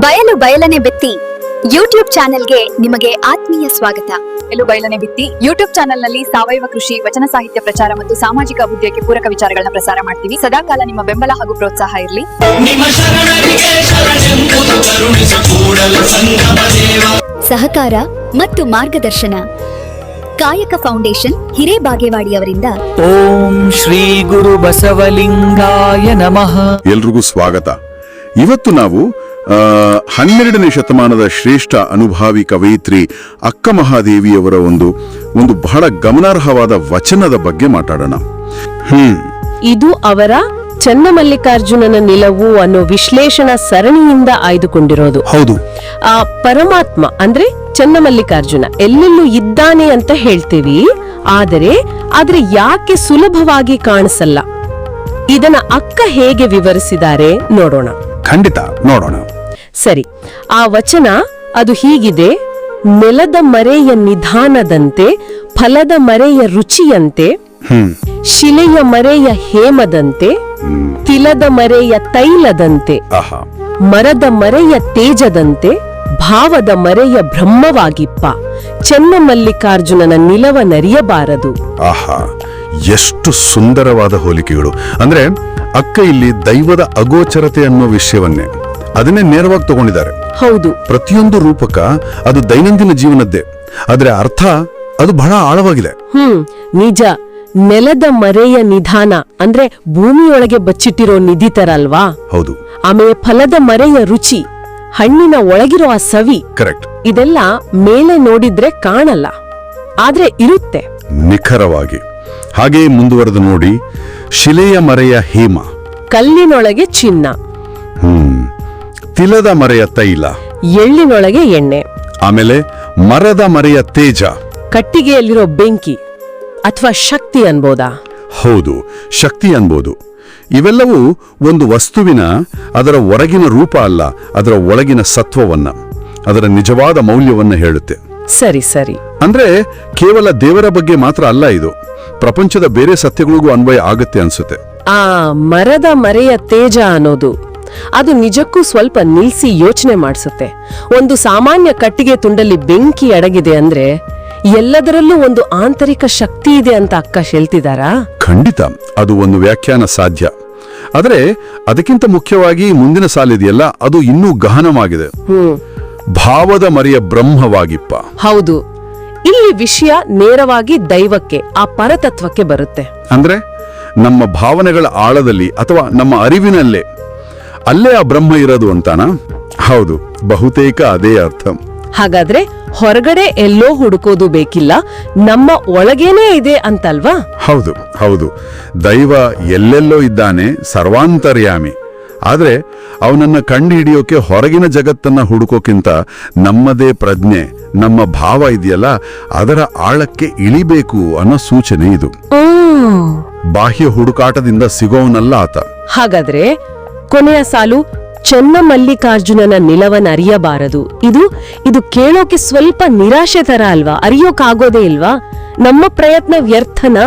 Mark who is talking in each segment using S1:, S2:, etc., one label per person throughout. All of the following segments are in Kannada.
S1: ಬಯಲು ಬಯಲನೆ ಬಿತ್ತಿ ಯೂಟ್ಯೂಬ್ ಚಾನೆಲ್ಗೆ ನಿಮಗೆ ಆತ್ಮೀಯ ಸ್ವಾಗತ.
S2: ಬಯಲು ಬಯಲನೆ ಬಿತ್ತಿ ಯೂಟ್ಯೂಬ್ ಚಾನೆಲ್ನಲ್ಲಿ ಸಾವಯವ ಕೃಷಿ, ವಚನ ಸಾಹಿತ್ಯ ಪ್ರಚಾರ ಮತ್ತು ಸಾಮಾಜಿಕ ಅಭಿವೃದ್ಧಿಗೆ ಪೂರಕ ವಿಚಾರಗಳನ್ನ ಪ್ರಸಾರ ಮಾಡ್ತೀವಿ. ಸದಾಕಾಲ ನಿಮ್ಮ ಬೆಂಬಲ ಹಾಗೂ ಪ್ರೋತ್ಸಾಹ ಇರಲಿ.
S1: ಸಹಕಾರ ಮತ್ತು ಮಾರ್ಗದರ್ಶನ ಕಾಯಕ ಫೌಂಡೇಶನ್ ಹಿರೇಬಾಗೇವಾಡಿಯವರಿಂದ.
S3: ಓಂ ಶ್ರೀ ಗುರು ಬಸವಲಿಂಗಾಯ ನಮಃ.
S4: ಎಲ್ರಿಗೂ ಸ್ವಾಗತ. ಇವತ್ತು ನಾವು 12ನೇ ಶತಮಾನದ ಶ್ರೇಷ್ಠ ಅನುಭಾವಿ ಕವಯಿತ್ರಿ ಅಕ್ಕ ಮಹಾದೇವಿಯವರ ಒಂದು ಬಹಳ ಗಮನಾರ್ಹವಾದ ವಚನದ ಬಗ್ಗೆ ಮಾತಾಡೋಣ.
S5: ಇದು ಅವರ ಚನ್ನಮಲ್ಲಿಕಾರ್ಜುನನ ನಿಲುವು ಅನ್ನೋ ವಿಶ್ಲೇಷಣಾ ಸರಣಿಯಿಂದ ಆಯ್ದುಕೊಂಡಿರೋದು.
S4: ಹೌದು,
S5: ಆ ಪರಮಾತ್ಮ ಅಂದ್ರೆ ಚನ್ನಮಲ್ಲಿಕಾರ್ಜುನ ಎಲ್ಲೆಲ್ಲೂ ಇದ್ದಾನೆ ಅಂತ ಹೇಳ್ತೀವಿ, ಆದರೆ ಯಾಕೆ ಸುಲಭವಾಗಿ ಕಾಣಿಸಲ್ಲ, ಇದನ್ನ ಅಕ್ಕ ಹೇಗೆ ವಿವರಿಸಿದ್ದಾರೆ ನೋಡೋಣ.
S4: ಖಂಡಿತ ನೋಡೋಣ.
S5: ಸರಿ, ಆ ವಚನ ಅದು ಹೀಗಿದೆ: ನೆಲದ ಮರೆಯ ನಿಧಾನದಂತೆ, ಫಲದ ಮರೆಯ ರುಚಿಯಂತೆ, ಶಿಲೆಯ ಮರೆಯ ಹೇಮದಂತೆ, ತಿಲದ ಮರೆಯ ತೈಲದಂತೆ, ಮರದ ಮರೆಯ ತೇಜದಂತೆ, ಭಾವದ ಮರೆಯ ಬ್ರಹ್ಮವಾಗಿಪ್ಪ, ಚನ್ನಮಲ್ಲಿಕಾರ್ಜುನನ ನಿಲವ ನರಿಯಬಾರದು.
S4: ಆಹಾ, ಎಷ್ಟು ಸುಂದರವಾದ ಹೋಲಿಕೆಗಳು. ಅಂದ್ರೆ ಅಕ್ಕ ಇಲ್ಲಿ ದೈವದ ಅಗೋಚರತೆ ಅನ್ನೋ ವಿಷಯವನ್ನೇ ಅದನ್ನೇ ನೇರವಾಗಿ ತಗೊಂಡಿದ್ದಾರೆ.
S5: ಹೌದು,
S4: ಪ್ರತಿಯೊಂದು ರೂಪಕ ಅದು ದೈನಂದಿನ ಜೀವನದ್ದೇ, ಆದ್ರೆ ಅರ್ಥ ಅದು ಬಹಳ ಆಳವಾಗಿದೆ.
S5: ನಿಜ. ನೆಲದ ಮರೆಯ ನಿಧಾನ ಅಂದ್ರೆ ಭೂಮಿಯೊಳಗೆ ಬಚ್ಚಿಟ್ಟಿರೋ ನಿಧಿ ತರ ಅಲ್ವಾ?
S4: ಹೌದು.
S5: ಆಮೇಲೆ ಫಲದ ಮರೆಯ ರುಚಿ, ಹಣ್ಣಿನ ಒಳಗಿರೋ ಆ ಸವಿ.
S4: ಕರೆಕ್ಟ್.
S5: ಇದೆಲ್ಲ ಮೇಲೆ ನೋಡಿದ್ರೆ ಕಾಣಲ್ಲ, ಆದ್ರೆ ಇರುತ್ತೆ
S4: ನಿಖರವಾಗಿ. ಹಾಗೆ ಮುಂದುವರೆದು ನೋಡಿ, ಶಿಲೆಯ ಮರೆಯ ಹೇಮ,
S5: ಕಲ್ಲಿನೊಳಗೆ ಚಿನ್ನ,
S4: ತಿಲದ ಮರೆಯ ತೈಲ,
S5: ಎಳ್ಳಿನೊಳಗೆ ಎಣ್ಣೆ,
S4: ಆಮೇಲೆ ಮರದ ಮರೆಯ ತೇಜ,
S5: ಕಟ್ಟಿಗೆಯಲ್ಲಿರೋ ಬೆಂಕಿ ಅಥವಾ ಶಕ್ತಿ ಅನ್ಬೋದಾ?
S4: ಹೌದು, ಶಕ್ತಿ ಅನ್ಬೋದು. ಇವೆಲ್ಲವೂ ಒಂದು ವಸ್ತುವಿನ ಅದರ ಹೊರಗಿನ ರೂಪ ಅಲ್ಲ, ಅದರ ಒಳಗಿನ ಸತ್ವವನ್ನ, ಅದರ ನಿಜವಾದ ಮೌಲ್ಯವನ್ನ ಹೇಳುತ್ತೆ.
S5: ಸರಿ ಸರಿ.
S4: ಅಂದ್ರೆ ಕೇವಲ ದೇವರ ಬಗ್ಗೆ ಮಾತ್ರ ಅಲ್ಲ, ಇದು ಪ್ರಪಂಚದ ಬೇರೆ ಸತ್ಯಗಳಿಗೂ ಅನ್ವಯ ಆಗುತ್ತೆ ಅನ್ಸುತ್ತೆ.
S5: ಆ ಮರದ ಮರೆಯ ತೇಜ ಅನ್ನೋದು ಅದು ನಿಜಕ್ಕೂ ಸ್ವಲ್ಪ ನಿಲ್ಸಿ ಯೋಚನೆ ಮಾಡಿಸುತ್ತೆ. ಒಂದು ಸಾಮಾನ್ಯ ಕಟ್ಟಿಗೆ ತುಂಡಲ್ಲಿ ಬೆಂಕಿ ಅಡಗಿದೆ ಅಂದ್ರೆ ಎಲ್ಲದರಲ್ಲೂ ಒಂದು ಆಂತರಿಕ ಶಕ್ತಿ ಇದೆ ಅಂತ ಅಕ್ಕ ಹೇಳ್ತಿದಾರಾ?
S4: ಖಂಡಿತ, ಅದು ಒಂದು ವ್ಯಾಖ್ಯಾನ ಸಾಧ್ಯ. ಆದರೆ ಅದಕ್ಕಿಂತ ಮುಖ್ಯವಾಗಿ ಮುಂದಿನ ಸಾಲಿದೆಯಲ್ಲ, ಅದು ಇನ್ನೂ ಗಹನವಾಗಿದೆ. ಭಾವದ ಮರೆಯ ಬ್ರಹ್ಮವಾಗಿಪ್ಪ.
S5: ಹೌದು, ಇಲ್ಲಿ ವಿಷಯ ನೇರವಾಗಿ ದೈವಕ್ಕೆ, ಆ ಪರತತ್ವಕ್ಕೆ ಬರುತ್ತೆ.
S4: ಅಂದ್ರೆ ನಮ್ಮ ಭಾವನೆಗಳ ಆಳದಲ್ಲಿ ಅಥವಾ ನಮ್ಮ ಅರಿವಿನಲ್ಲೇ ಅಲ್ಲೇ ಆ ಬ್ರಹ್ಮ ಇರೋದು ಅಂತಾನ? ಹೌದು, ಬಹುತೇಕ ಅದೇ ಅರ್ಥ.
S5: ಹಾಗಾದ್ರೆ ಹೊರಗಡೆ ಎಲ್ಲೋ ಹುಡುಕೋದು ಬೇಕಿಲ್ಲ, ನಮ್ಮ ಒಳಗೇನೇ ಇದೆ ಅಂತಲ್ವಾ?
S4: ಹೌದು ಹೌದು, ದೈವ ಎಲ್ಲೆಲ್ಲೋ ಇದ್ದಾನೆ, ಸರ್ವಾಂತರ್ಯಾಮಿ. ಆದ್ರೆ ಅವನನ್ನ ಕಂಡು ಹಿಡಿಯೋಕೆ ಹೊರಗಿನ ಜಗತ್ತನ್ನ ಹುಡುಕೋಕ್ಕಿಂತ ನಮ್ಮದೇ ಪ್ರಜ್ಞೆ, ನಮ್ಮ ಭಾವ ಇದೆಯಲ್ಲ, ಅದರ ಆಳಕ್ಕೆ ಇಳಿಬೇಕು ಅನ್ನೋ ಸೂಚನೆ ಇದು. ಬಾಹ್ಯ ಹುಡುಕಾಟದಿಂದ ಸಿಗೋವನಲ್ಲ ಆತ.
S5: ಹಾಗಾದ್ರೆ ಕೊನೆಯ ಸಾಲು, ಚನ್ನಮಲ್ಲಿಕಾರ್ಜುನನ ನಿಲವನ್ನ ಅರಿಯಬಾರದು, ಇದು ಕೇಳೋಕೆ ಸ್ವಲ್ಪ ನಿರಾಶೆ ತರ ಅಲ್ವಾ? ಅರಿಯೋಕಾಗೋದೇ ಇಲ್ವಾ? ನಮ್ಮ ಪ್ರಯತ್ನ ವ್ಯರ್ಥನಾ?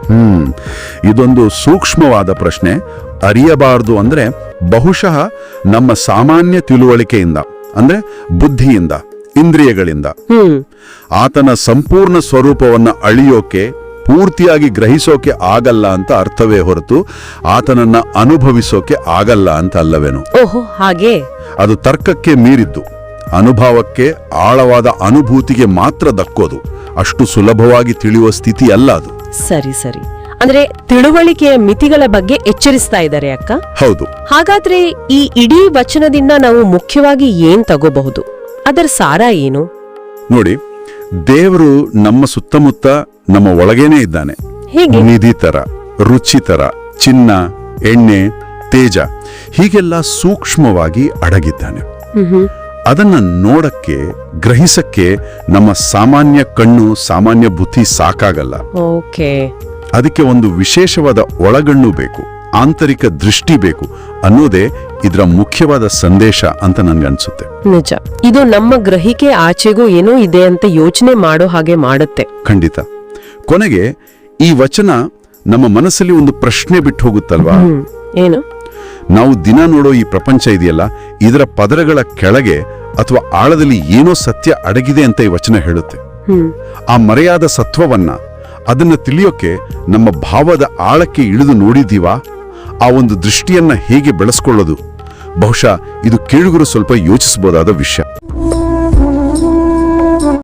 S4: ಇದೊಂದು ಸೂಕ್ಷ್ಮವಾದ ಪ್ರಶ್ನೆ. ಅರಿಯಬಾರದು ಅಂದ್ರೆ ಬಹುಶಃ ನಮ್ಮ ಸಾಮಾನ್ಯ ತಿಳುವಳಿಕೆಯಿಂದ, ಅಂದ್ರೆ ಬುದ್ಧಿಯಿಂದ, ಇಂದ್ರಿಯಗಳಿಂದ ಆತನ ಸಂಪೂರ್ಣ ಸ್ವರೂಪವನ್ನ ಅಳಿಯೋಕೆ, ಪೂರ್ತಿಯಾಗಿ ಗ್ರಹಿಸೋಕೆ ಆಗಲ್ಲ ಅಂತ ಅರ್ಥವೇ ಹೊರತು ಆತನನ್ನ ಅನುಭವಿಸೋಕೆ ಆಗಲ್ಲ ಅಂತ ಅಲ್ಲವೇನು?
S5: ಓಹೋ, ಹಾಗೆ.
S4: ಅದು ತರ್ಕಕ್ಕೆ ಮೀರಿದ್ದು, ಅನುಭವಕ್ಕೆ, ಆಳವಾದ ಅನುಭೂತಿಗೆ ಮಾತ್ರ ದಕ್ಕೋದು. ಅಷ್ಟು ಸುಲಭವಾಗಿ ತಿಳಿಯುವ ಸ್ಥಿತಿ ಅಲ್ಲ ಅದು.
S5: ಸರಿ ಸರಿ. ಅಂದ್ರೆ ತಿಳುವಳಿಕೆಯ ಮಿತಿಗಳ ಬಗ್ಗೆ ಎಚ್ಚರಿಸ್ತಾ ಇದ್ದಾರೆ ಅಕ್ಕ.
S4: ಹೌದು.
S5: ಹಾಗಾದ್ರೆ ಈ ಇಡೀ ವಚನದಿಂದ ನಾವು ಮುಖ್ಯವಾಗಿ ಏನ್ ತಗೋಬಹುದು? ಅದರ ಸಾರ ಏನು?
S4: ನೋಡಿ, ದೇವರು ನಮ್ಮ ಸುತ್ತಮುತ್ತ, ನಮ್ಮ ಒಳಗೇನೆ ಇದ್ದಾನೆ.
S5: ಹೇಗೆ?
S4: ನಿಧಿ ತರ, ರುಚಿ ತರ, ಚಿನ್ನ, ಎಣ್ಣೆ, ತೇಜ, ಹೀಗೆಲ್ಲ ಸೂಕ್ಷ್ಮವಾಗಿ ಅಡಗಿದ್ದಾನೆ. ಅದನ್ನ ನೋಡಕ್ಕೆ, ಗ್ರಹಿಸಕ್ಕೆ ನಮ್ಮ ಸಾಮಾನ್ಯ ಕಣ್ಣು, ಸಾಮಾನ್ಯ ಬುದ್ಧಿ ಸಾಕಾಗಲ್ಲ.
S5: ಓಕೆ.
S4: ಅದಕ್ಕೆ ಒಂದು ವಿಶೇಷವಾದ ಒಳಗಣ್ಣು ಬೇಕು, ಆಂತರಿಕ ದೃಷ್ಟಿ ಬೇಕು ಅನ್ನೋದೇ ಇದರ ಮುಖ್ಯವಾದ ಸಂದೇಶ ಅಂತ ನನ್ಗನ್ಸುತ್ತೆ.
S5: ನಿಜ, ಇದು ನಮ್ಮ ಗ್ರಹಿಕೆ ಆಚೆಗೂ ಏನೋ ಇದೆ ಅಂತ ಯೋಚನೆ ಮಾಡೋ ಹಾಗೆ ಮಾಡುತ್ತೆ.
S4: ಖಂಡಿತ. ಕೊನೆಗೆ ಈ ವಚನ ನಮ್ಮ ಮನಸ್ಸಲ್ಲಿ ಒಂದು ಪ್ರಶ್ನೆ ಬಿಟ್ಟು ಹೋಗುತ್ತಲ್ವಾ?
S5: ಏನು?
S4: ನಾವು ದಿನ ನೋಡೋ ಈ ಪ್ರಪಂಚ ಇದೆಯಲ್ಲ, ಇದರ ಪದರಗಳ ಕೆಳಗೆ ಅಥವಾ ಆಳದಲ್ಲಿ ಏನೋ ಸತ್ಯ ಅಡಗಿದೆ ಅಂತ ಈ ವಚನ ಹೇಳುತ್ತೆ. ಆ ಮರೆಯಾದ ಸತ್ವವನ್ನ, ಅದನ್ನ ತಿಳಿಯೋಕೆ ನಮ್ಮ ಭಾವದ ಆಳಕ್ಕೆ ಇಳಿದು ನೋಡಿದೀವಾ? ಆ ಒಂದು ದೃಷ್ಟಿಯನ್ನ ಹೇಗೆ ಬೆಳೆಸ್ಕೊಳ್ಳೋದು? ಬಹುಶಃ ಇದು ಕೇಳುಗರು ಸ್ವಲ್ಪ ಯೋಚಿಸಬಹುದಾದ ವಿಷಯ.